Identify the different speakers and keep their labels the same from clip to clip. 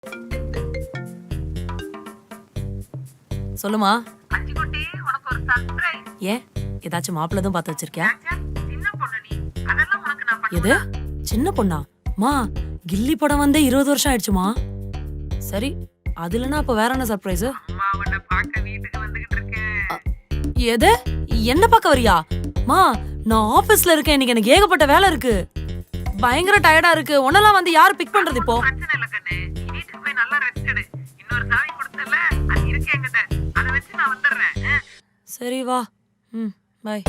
Speaker 1: சொல்லுமா.
Speaker 2: அச்சுக்குட்டி, உனக்கு ஒரு சர்ப்ரைஸ்.
Speaker 1: ஏன் ஏதாச்சும் மாப்பிள்ளை தான் பார்த்து வச்சிருக்கியா?
Speaker 2: சின்ன பொண்ணு நீ. அதெல்லாம் உனக்கு நான்
Speaker 1: எது சின்ன பொண்ணா? மா கில்லி படம் வந்தே 20 வருஷம் ஆயிடுச்சுமா. சரி அதுலனா அப்ப வேற என்ன சர்ப்ரைஸ்?
Speaker 2: அம்மா உன்னை பார்க்க வீட்டுக்கு வந்துகிட்டு இருக்கேன்.
Speaker 1: எது என்ன பார்க்க வரியா? மா நான் ஆபீஸ்ல இருக்கேன், இன்னைக்கு எனக்கு ஏகப்பட்ட வேலை இருக்கு, பயங்கர டயர்டா இருக்கு. உன்னெல்லாம் வந்து யாரு பிக் பண்றது இப்போ?
Speaker 2: பிரச்சனை இல்ல கண்ணு, நீ வீட்டுக்கு போய் நல்லா ரெஸ்ட் எடு. இன்னொரு சாவி கொடுத்தல, அது இருக்கு என்கிட்ட, அதை வச்சு நான் வந்துடுறேன்.
Speaker 1: சரி வா. பாய்.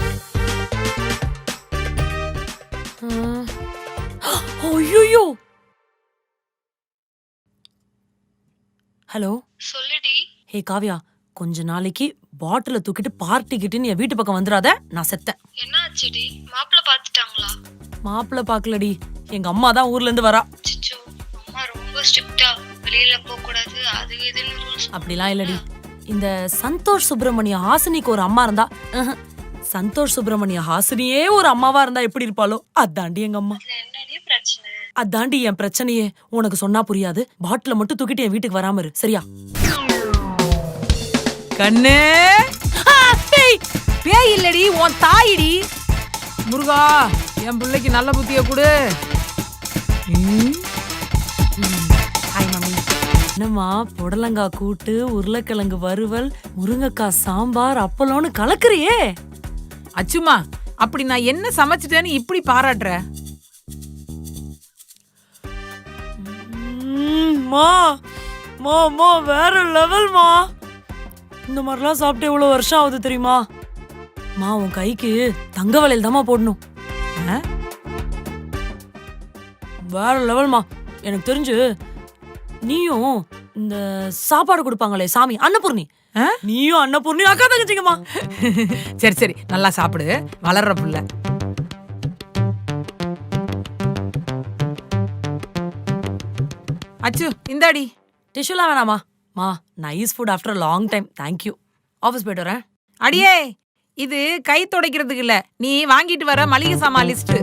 Speaker 1: ஐயோ ஹலோ
Speaker 3: சொல்லுடி.
Speaker 1: ஹே காவ்யா, கொஞ்ச நாளைக்கு பாட்டில தூக்கிட்டு பார்ட்டி கிட்டுன்னு என் வீட்டு பக்கம் வந்துடாத, நான் செத்தேன்.
Speaker 3: என்ன ஆச்சுடி? மாப்பிள்ள பாத்துட்டாங்களா?
Speaker 1: மாப்பிள்ள பாக்கலடி, எங்க அம்மா தான் ஊர்ல இருந்து வரா.
Speaker 3: அச்சச்சோ, அம்மா ரொம்ப ஸ்ட்ரிக்ட்டா, வெளியில போக கூடாது அது இதுன்னு ரூல்ஸ்.
Speaker 1: அப்படிலாம் இல்லடி. இந்த சந்தோஷ் சுப்பிரமணிய ஹாசினிக்கு ஒரு அம்மா இருந்தா, சந்தோஷ் சுப்பிரமணிய ஹாசினியே ஒரு அம்மாவா இருந்தா எப்படி இருப்பாளோ அதாண்டி எங்க அம்மா.
Speaker 3: என்னடி பிரச்சனை?
Speaker 1: அதாண்டி என் பிரச்சனையே. உனக்கு சொன்னா புரியாது. பாட்டில மட்டும் தூக்கிட்டு என் வீட்டுக்கு வராம இரு, சரியா?
Speaker 4: கண்ணே, பேய் இல்லடி, உன் தாயிடி. முருகா, என் பிள்ளைக்கு நல்ல புத்திய கொடு.
Speaker 1: Hi mummy. என்னம்மா புடலங்காய் கூட்டு, உருளைக்கிழங்கு வறுவல், முருங்கைக்காய் சாம்பார், அப்பளம்னு கலக்குறியே.
Speaker 4: அச்சுமா, அப்படி நான் என்ன சமைச்சிட்டேன்னு இப்படி பாராட்டுற?
Speaker 1: மா மா மா வேற லெவல் மா. இந்த மாதிரிலாம் சாப்பிட்டு எவ்வளவு வருஷம் ஆகுது தெரியுமா? மா உன் கைக்கு தங்க வளையல் தாமா போடணும். வேற லெவல்மா. எனக்கு தெரிஞ்சு நீயும் இந்த சாப்பாடு கொடுப்பாங்களே சாமி அன்னபூர்ணி, நீயும் அன்னபூர்ணி அக்கா தங்கச்சிங்கம்மா.
Speaker 4: சரி சரி, நல்லா சாப்பிடு, வளர்ற புள்ள. அச்சு இந்தாடி.
Speaker 1: டிஷ்யூலாம் வேணாமா? மா nice food after long time, thank you. Office போயிட்டு வரேன்.
Speaker 4: அடியே, இது கை துடைக்கிறதுக்கு இல்ல, நீ வாங்கிட்டு வர மளிகை சாமான் லிஸ்ட்.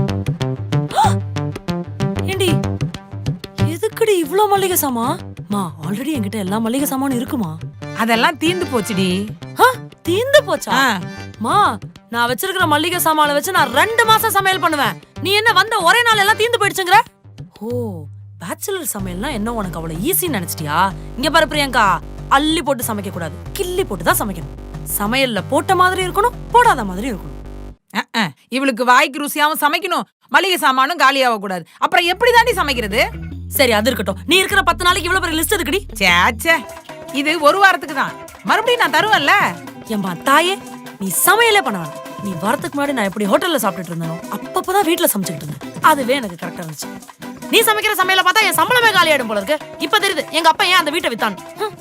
Speaker 1: ஏண்டி எதுக்குடி இவ்ளோ மளிகை சாமான்? மா ஆல்ரெடி என்கிட்ட எல்லா மளிகை சாமானும் இருக்குமா?
Speaker 4: அதெல்லாம் தீந்து போச்சுடி.
Speaker 1: தீந்து போச்சா? மா நான் வச்சிருக்கிற மளிகை சாமான வச்சு நான் 2 மாசம் சமையல் பண்ணுவேன். நீ என்ன வந்த ஒரே நாள் எல்லாம் தீந்து போயிடுச்சுங்கற? ஓ, பேச்சுலர் சமையல்னா என்ன உனக்கு அவ்வளவு ஈஸின்னு நினைச்சிட்டியா? இங்க பாரு பிரியங்கா, அள்ளி போட்டு சமைக்க கூடாது, கிள்ளி போட்டு தான் சமைக்கணும். சமையல்ல போட்ட மாதிரி இருக்கணும், போடாத மாதிரி இருக்கணும்.
Speaker 4: இவளுக்கு வாய்க்கு ருசியாவும் சமைக்கணும், மளிகை சாமானும் காலியாக கூடாது. அப்புறம் எப்படி தாண்டி சமைக்கிறது?
Speaker 1: சரி அது இருக்கட்டும், நீ இருக்கிற 10 நாளைக்கு இவ்வளவு பெரிய லிஸ்ட் எதுக்குடி?
Speaker 4: சேச்சே, இது ஒரு வாரத்துக்கு தான், மறுபடியும் நான் தருவேன்ல.
Speaker 1: ஏம்பா தாயே, நீ சமையலே பண்ண வேணாம். நீ வரதுக்கு முன்னாடி நான் எப்படி ஹோட்டல்ல சாப்பிட்டுட்டு இருந்தேனோ அப்பப்பதான் வீட்டுல சமைச்சுக்கிட்டு இருந்தேன். அதுவே எனக்கு கரெக்டா இருந்துச்சு. நீ சமைக்கிற சமையல பார்த்தா என் சம்பளமே காலியாயிடும் போல இருக்கு. இப்ப தெரியுது எங்க அப்பா ஏன் அந்த வீட்டை வித்தான்.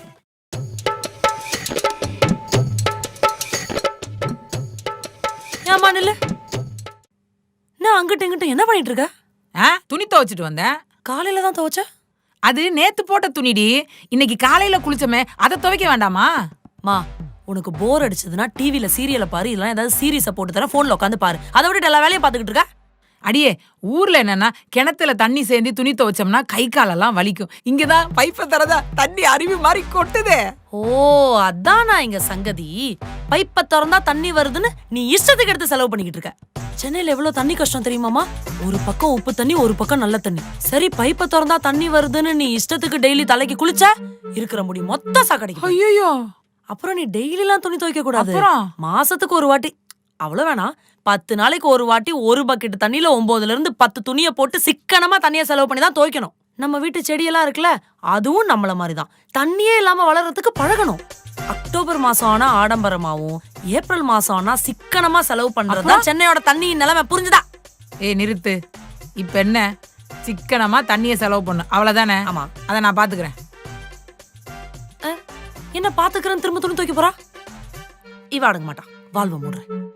Speaker 1: ஏமா நில்லு. நான் அங்கிட்ட இங்கிட்ட என்ன பண்ணிட்டு இருக்க?
Speaker 4: துணி துவைச்சிட்டு வந்தேன்.
Speaker 1: காலையில தான் துவைச்ச?
Speaker 4: அது நேத்து போட்ட துணிடி, இன்னைக்கு காலையில குளிச்சமே, அதை துவைக்க வேண்டாமா?
Speaker 1: மா உனக்கு போர் அடிச்சதுன்னா டிவில சீரியல பாரு, இல்ல ஏதாவது சீரியஸ போட்டு தர போன்ல உட்காந்து பாரு. அதை விட்டு எல்லா வேலையும் பாத்துக்கிட்டு இருக்க.
Speaker 4: அடியே, ஊர்ல என்னன்னா கிணத்துல தண்ணி சேர்ந்து துணி துவைச்சோம்னா கை காலெல்லாம் வலிக்கும். இங்கதான் பைப்பை தரதா தண்ணி அருவி மாதிரி கொட்டுதே.
Speaker 1: ஓ அதான் நான் இங்க சங்கதி. பைப்பை திறந்தா தண்ணி வருதுன்னு நீ இஷ்டத்துக்கு எடுத்து செலவு பண்ணிக்கிட்டு இருக்க. சென்னையில எவ்வளவு தண்ணி கஷ்டம் தெரியுமாமா? ஒரு பக்கம் உப்பு தண்ணி, ஒரு பக்கம் நல்ல தண்ணி. சரி பைப்பை திறந்தா தண்ணி வருதுன்னு நீ இஷ்டத்துக்கு டெய்லி தலைக்கு குளிச்ச இருக்கிற முடி மொத்த சாக்கடிக்கும்.
Speaker 4: ஐயோ,
Speaker 1: அப்புறம் நீ டெய்லி எல்லாம் துணி துவைக்க கூடாது. மாசத்துக்கு ஒரு வாட்டி, அவ்வளவு வேணாம், 10 நாளைக்கு ஒரு வாட்டி ஒரு பக்கெட் தண்ணியில 9ல இருந்து 10 துணியை போட்டு சிக்கனமா தண்ணியை செலவு பண்ணி தான் துவைக்கணும். நம்ம வீட்டு செடியெல்லாம் இருக்குல்ல, அதுவும் நம்மள மாதிரிதான் தண்ணியே இல்லாம வளர்றதுக்கு பழகணும். அக்டோபர் மாசம் ஆனா ஆடம்பரமாவும், ஏப்ரல் மாசம் ஆனா சிக்கனமா செலவு பண்றதுதான் சென்னையோட தண்ணியின் நிலைமை, புரிஞ்சுதா?
Speaker 4: நிறுத்து. இப்ப என்ன, சிக்கனமா தண்ணியை செலவு பண்ணு, அவ்வளவுதானே?
Speaker 1: ஆமா,
Speaker 4: அதை நான் பாத்துக்கிறேன்.
Speaker 1: என்ன பாத்துக்கிறேன்? திரும்ப துணி துவைக்க போறா? இவ அடங்க மாட்டா, வாழ்வ மூடுறேன்.